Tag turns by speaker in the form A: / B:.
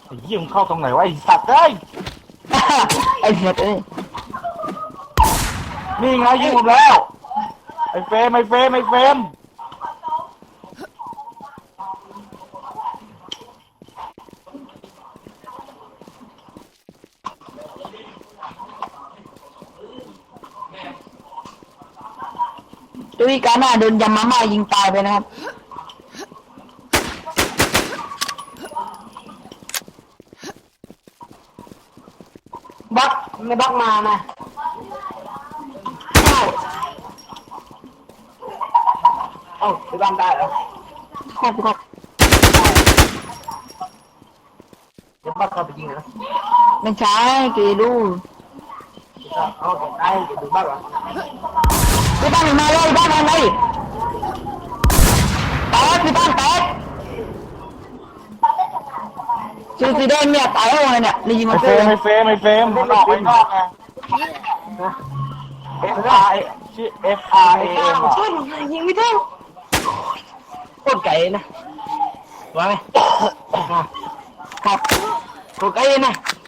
A: เหี้ยมึงเข้าตรงไหนวะไอ้สัตว์เอ้ย
B: ไอ้เหี้ยเอ้ย
A: นี่ไงยิงผมแล้วไอ้เฟรมไอ้เฟรมไอ้เฟรม
B: ด้วยการหน้าโดนยำมาม่ายิงตายไปนะครับบักไม่บักมานะเอ้าไปบ้านได้เหรอครับครับเดี๋ยวบักเข้าไปยิงนะไม่ใช่กีดูเอาได้กีดูบักเหรอไปบ้านมาเลยบ้านมาเลยแตกไปบ้านแตกชื่อสีแดงเนี่ยตายแล้วไงเนี่ยนี่ยิง
A: ไอ้
B: มา
A: เฟ
B: เจ
A: ร
B: อ
A: มไอ้เฟรมไอ้เฟรมมันออกไปนอกไง F R A ชื่อ F R A M อ่ะ
B: ยิงไม่ได้โคตรไก่นะว่าไหมครับโคตรไก่นะ